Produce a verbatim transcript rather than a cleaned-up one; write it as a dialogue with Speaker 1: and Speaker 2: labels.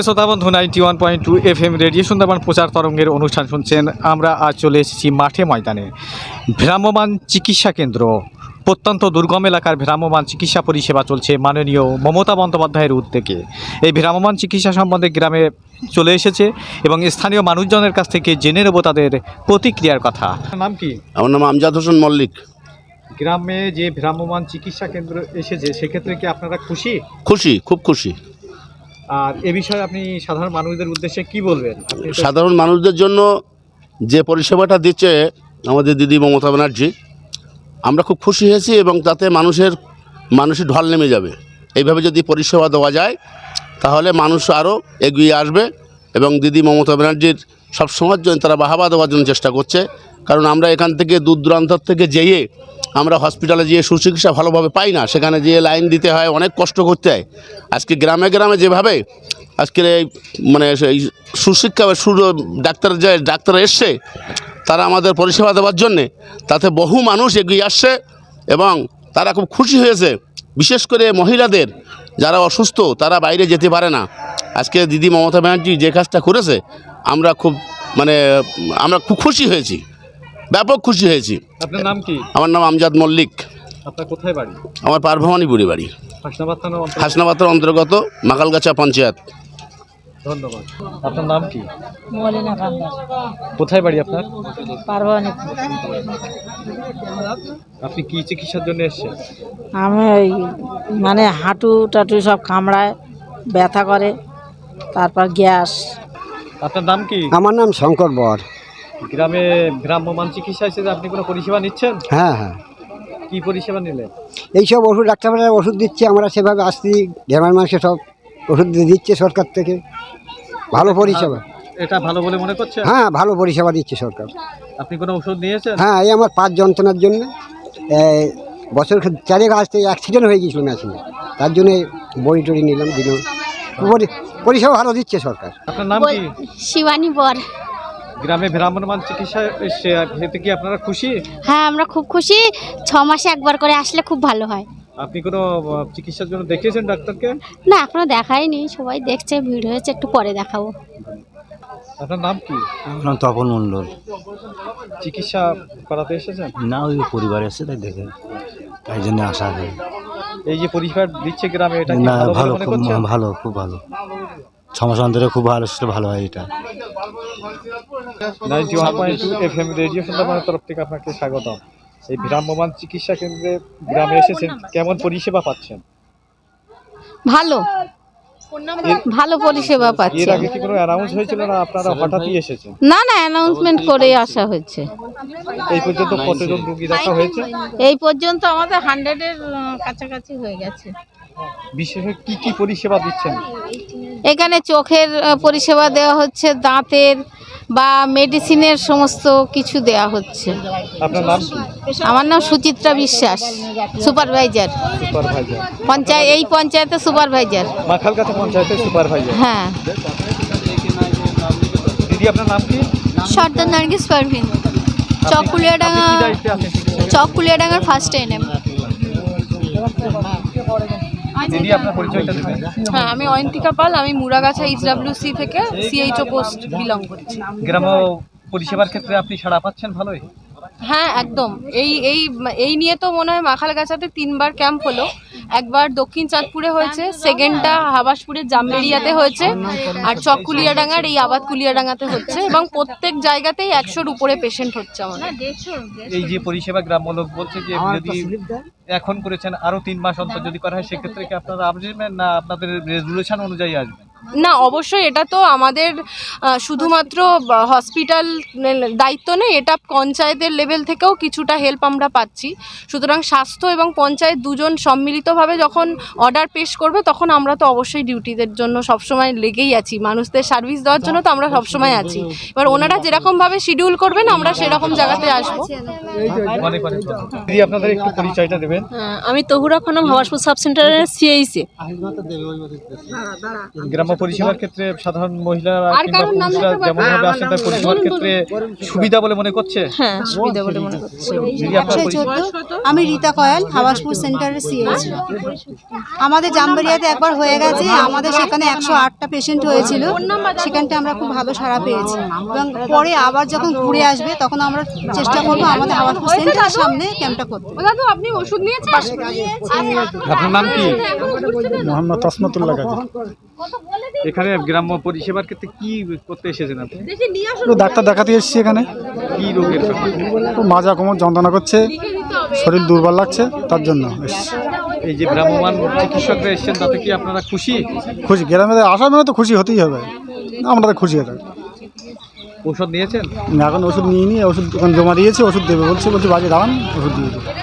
Speaker 1: প্রিয় শ্রোতা বন্ধু ninety one point two F M radio Sundarban প্রচার তরঙ্গের অনুষ্ঠান শুনছেন। আমরা আজ চলে এসেছি মাঠে ময়দানে। ভ্রাম্যমাণ চিকিৎসা কেন্দ্র, প্রত্যন্ত দুর্গম এলাকার ভ্রাম্যমাণ চিকিৎসা পরিষেবা চলছে মাননীয় মমতা বন্দ্যোপাধ্যায়ের উদ্যোগে। এই ভ্রাম্যমাণ চিকিৎসা সম্বন্ধে গ্রামে চলে এসেছে এবং স্থানীয় মানুষজনের কাছ থেকে জেনে নেব তাদের প্রতিক্রিয়ার কথা। নাম কি?
Speaker 2: আমার নাম আমজাদ হোসেন মল্লিক।
Speaker 1: গ্রামে যে ভ্রাম্যমাণ চিকিৎসা কেন্দ্র এসেছে সেক্ষেত্রে কি আপনারা খুশি?
Speaker 2: খুশি, খুব খুশি।
Speaker 1: আর এ বিষয়ে আপনি সাধারণ মানুষদের উদ্দেশ্যে কি বলবেন?
Speaker 2: সাধারণ মানুষদের জন্য যে পরিষেবাটা দিচ্ছে আমাদের দিদি মমতা ব্যানার্জি, আমরা খুব খুশি হয়েছি এবং তাতে মানুষের মানুষের ঢল নেমে যাবে। এইভাবে যদি পরিষেবা দেওয়া যায় তাহলে মানুষ আরও এগিয়ে আসবে এবং দিদি মমতা ব্যানার্জির সবসময়ের জন্য তারা বাহাবা দেওয়ার জন্য চেষ্টা করছে। কারণ আমরা এখান থেকে দূর দূরান্ত থেকে যেয়ে আমরা হসপিটালে যেয়ে সুচিকিৎসা ভালোভাবে পাই না, সেখানে যেয়ে লাইন দিতে হয়, অনেক কষ্ট করতে হয়। আজকে গ্রামে গ্রামে যেভাবে আজকের এই মানে এই সুশিক্ষা সু ডাক্তার যে ডাক্তার এসছে তারা আমাদের পরিষেবা দেওয়ার জন্যে, তাতে বহু মানুষ এগিয়ে আসছে এবং তারা খুব খুশি হয়েছে। বিশেষ করে মহিলাদের যারা অসুস্থ তারা বাইরে যেতে পারে না, আজকে দিদি মমতা ব্যানার্জি যে কাজটা করেছে আমরা খুব মানে আমরা খুব খুশি হয়েছি, ব্যাপক খুশি হয়েছি।
Speaker 1: আপনার নাম কি?
Speaker 2: আমার নাম আমজাদ মল্লিক।
Speaker 1: আপনার কোথায় বাড়ি?
Speaker 2: আমার পারভবানীপুরে বাড়ি,
Speaker 1: হাসনাবাদ থানা অন্তর্গত।
Speaker 2: হাসনাবাদ থানার অন্তর্গত মাকালগাছা পঞ্চায়েত।
Speaker 1: ধন্যবাদ। আপনার নাম কি?
Speaker 3: মলিনা কান্দার।
Speaker 1: কোথায় বাড়ি আপনার?
Speaker 3: পারভবানীপুর।
Speaker 1: আপনি কি চিকিৎসার জন্য এসেছেন?
Speaker 3: আমি ওই মানে হাঁটু টাটু সব কামড়ায়, ব্যথা করে, তারপর গ্যাস।
Speaker 1: আপনার নাম কি?
Speaker 4: আমার নাম শঙ্কর বর।
Speaker 1: গ্রামে ভ্রাম্যমাণ চিকিৎসা হিসেবে আপনি কোনো পরিষেবা নিচ্ছেন?
Speaker 4: হ্যাঁ হ্যাঁ,
Speaker 1: কি পরিষেবা নিলেন?
Speaker 4: এইসব ওষুধ ডাক্তাররা ওষুধ দিচ্ছে, আমরা সেভাবে আসছি। গ্রামের মানুষের সব ওষুধ দিচ্ছে সরকার থেকে, ভালো পরিষেবা।
Speaker 1: এটা ভালো বলে মনে করছেন?
Speaker 4: হ্যাঁ, ভালো পরিষেবা দিচ্ছে সরকার।
Speaker 1: আপনি কোনো ওষুধ নিয়েছেন?
Speaker 4: হ্যাঁ, এই আমার পাঁচ যন্ত্রণার জন্য বছর চারেক আসতে অ্যাক্সিডেন্ট হয়ে গিয়েছিল মেশিনে, তার জন্যে বড়ি টড়ি নিলাম, দিলাম। পরিষেবা ভালো দিচ্ছে সরকার।
Speaker 1: আপনার নাম কি?
Speaker 5: শিবানী বর।
Speaker 1: গ্রামে ভ্রাম্যমাণ চিকিৎসা এসে এতে কি আপনারা খুশি?
Speaker 5: হ্যাঁ, আমরা খুব খুশি। ছ মাসে একবার করে আসলে খুব ভালো হয়।
Speaker 1: আপনি কোনো চিকিৎসার জন্য দেখিয়েছেন ডাক্তারকে?
Speaker 5: না, এখনো দেখাইনি, সবাই দেখছে, ভিড় হয়েছে, একটু পরে দেখাবো।
Speaker 1: আপনার নাম কি?
Speaker 6: আমার নাম তপন মণ্ডল।
Speaker 1: চিকিৎসা করাতে এসেছেন?
Speaker 6: না, ওই পরিবার এসে তাই দেখে, তাই জন্য আসা হয়।
Speaker 1: এই যে পরিষেবা দিচ্ছে গ্রামে, এটা কি
Speaker 6: না,
Speaker 1: ভালো
Speaker 6: ভালো,
Speaker 1: মনে
Speaker 6: খুব
Speaker 1: করছেন?
Speaker 6: ভালো, খুব ভালো। ছ মাস অন্তরে খুব ভালো, সেটা ভালো হয়। এটা
Speaker 1: ninety one point two F M radio সুন্দরবনের তরফ থেকে আপনাকে স্বাগতম। এই ভ্রাম্যমাণ চিকিৎসা কেন্দ্রে গ্রামে এসেছেন, কেমন পরিষেবা পাচ্ছেন?
Speaker 5: ভালো ভালো পরিষেবা
Speaker 1: এর
Speaker 5: পাচ্ছি।
Speaker 1: আগে কি কোনো অ্যানাউন্স হয়েছিল না আপনারা হঠাৎই এসেছেন?
Speaker 5: না না, অ্যানাউন্সমেন্ট করে আসা হয়েছে।
Speaker 1: এই পর্যন্ত কতজন রোগী দেখা হয়েছে?
Speaker 5: এই পর্যন্ত আমাদের হান্ড্রেডের কাছাকাছি হয়ে গেছে।
Speaker 1: বিশেষ কি কি পরিষেবা দিচ্ছেন?
Speaker 5: এখানে চোখের আহ, পরিষেবা দেওয়া হচ্ছে, দাঁতের বা মেডিসিনের সমস্ত কিছু দেওয়া হচ্ছে।
Speaker 1: আপনার নাম কি?
Speaker 5: আমার নাম সুচিত্রা বিশ্বাস, সুপারভাইজার,
Speaker 1: সুপারভাইজার,
Speaker 5: পঞ্চায়েত এই পঞ্চায়েতের সুপারভাইজার।
Speaker 1: মাখালগাছা পঞ্চায়েতের সুপারভাইজার।
Speaker 5: হ্যাঁ।
Speaker 1: দিদি আপনার নাম কি?
Speaker 7: সর্দার নার্গিস পারভিন,
Speaker 1: আপনি-
Speaker 7: চককুলিয়াডাঙ্গা
Speaker 1: আপনি কি দায়িত্বে আছেন?
Speaker 7: চককুলিয়াডাঙ্গার ফার্স্ট এনএম।
Speaker 1: দিদি আপনার পরিচয়টা দেবেন?
Speaker 7: হ্যাঁ, আমি অয়ন্তিকা পাল, আমি মুরাগাছা ইসডব্লিউসি থেকে সিএইচও পোস্ট বিলং করছি।
Speaker 1: গ্রাম পরিষেবার ক্ষেত্রে আপনি সাড়া পাচ্ছেন ভালোই?
Speaker 7: হ্যাঁ, একদম। এই এই এই নিয়ে তো মনে হয় মাখালগাছাতে তিনবার ক্যাম্প হলো। একবার দক্ষিণ চাঁদপুরে হয়েছে, সেকেন্ডটা হাবাসপুরের জামবেড়িয়াতে হয়েছে, আর চককুলিয়াডাঙ্গার এই আবাদ কুলিয়াডাঙ্গাতে হচ্ছে, এবং প্রত্যেক জায়গাতেই একশোর উপরে পেশেন্ট হচ্ছে আমাদের।
Speaker 1: এই যে পরিষেবা গ্রাম্য লোক বলছে যে যদি এখন করেছেন আরো তিন মাস অন্তর যদি করা হয় সেক্ষেত্রে কি আপনারা আসবেন না আপনাদের রেজুলেশন অনুযায়ী আসবেন?
Speaker 7: না, অবশ্যই এটা তো আমাদের আহ, শুধুমাত্র হসপিটাল দায়িত্ব নেই, এটা পঞ্চায়েতের লেভেল থেকেও কিছুটা হেল্প আমরা পাচ্ছি। সুতরাং স্বাস্থ্য এবং পঞ্চায়েত দুজন সম্মিলিতভাবে যখন অর্ডার পেশ করবে তখন আমরা তো অবশ্যই ডিউটিদের জন্য সবসময় লেগেই আছি, মানুষদের সার্ভিস দেওয়ার জন্য তো আমরা সবসময় আছি। এবার ওনারা যেরকমভাবে শিডিউল করবেন আমরা সেরকম জায়গাতে আসবো।
Speaker 1: অনেক অনেক ধন্যবাদ। দিদি আপনাদের একটু পরিচয়টা দেবেন?
Speaker 7: আমি তহুরা খানম, হাবাসপুর সাব সেন্টারের সিএইসি।
Speaker 1: গ্রাম গ্রাম্য পরিষেবার ক্ষেত্রে সাধারণ মহিলারা
Speaker 7: আর
Speaker 1: কিংবা
Speaker 7: কারোর নাম
Speaker 1: পুরুষরা
Speaker 7: নিতে পারবো?
Speaker 1: যেমনভাবে আসেন তার পরিষেবার ক্ষেত্রে সুবিধা বলে মনে করছে।
Speaker 5: হ্যাঁ সুবিধা বলে মনে করছি।
Speaker 1: দিদি আপনার
Speaker 8: একশো
Speaker 1: পরিচয়?
Speaker 8: চোদ্দো আমি রীতা কয়াল হাবাসপুর সেন্টারের সিএইচ। আমাদের জামবেরিয়াতে একবার হয়ে গেছে, আমাদের সেখানে একশো আটটা পেশেন্ট হয়েছিল, সেখানটা আমরা খুব ভালো সাড়া পেয়েছি এবং পরে আবার যখন ঘুরে আসবে তখন আমরা চেষ্টা করবো আমাদের হাবাসপুর সেন্টারের সামনে ক্যাম্পটা করতে।
Speaker 7: ও দাদু আপনি ওষুধ নিয়েছেন?
Speaker 1: আপনার নাম কি?
Speaker 6: মোহাম্মদ তসমতুল্লাহ গাজী।
Speaker 1: এখানে গ্রাম্য পরিষেবার ক্ষেত্রে কি করতে এসেছেন আপনি?
Speaker 6: তো ডাক্তার দেখাতে এসেছি এখানে,
Speaker 1: কি রোগের জন্য?
Speaker 6: তো মাজা কোমর যন্ত্রণা করছে, শরীর দুর্বল লাগছে, তার জন্য এসেছি।
Speaker 1: এই যে ভ্রাম্যমান চিকিৎসকরা এসেছেন তাতে কি আপনারা খুশি?
Speaker 6: খুশি, গ্রামে আসার মানে তো খুশি হতেই হবে, আমরা তো খুশি হতে।
Speaker 1: ঔষধ নিয়েছেন?
Speaker 6: এখন ওষুধ নিয়ে নিয়ে ওষুধ দোকান জমা দিয়েছি, ওষুধ দেবে বলছে, বলছে বাজে দাঁড়ান ওষুধ দিয়ে দেবো।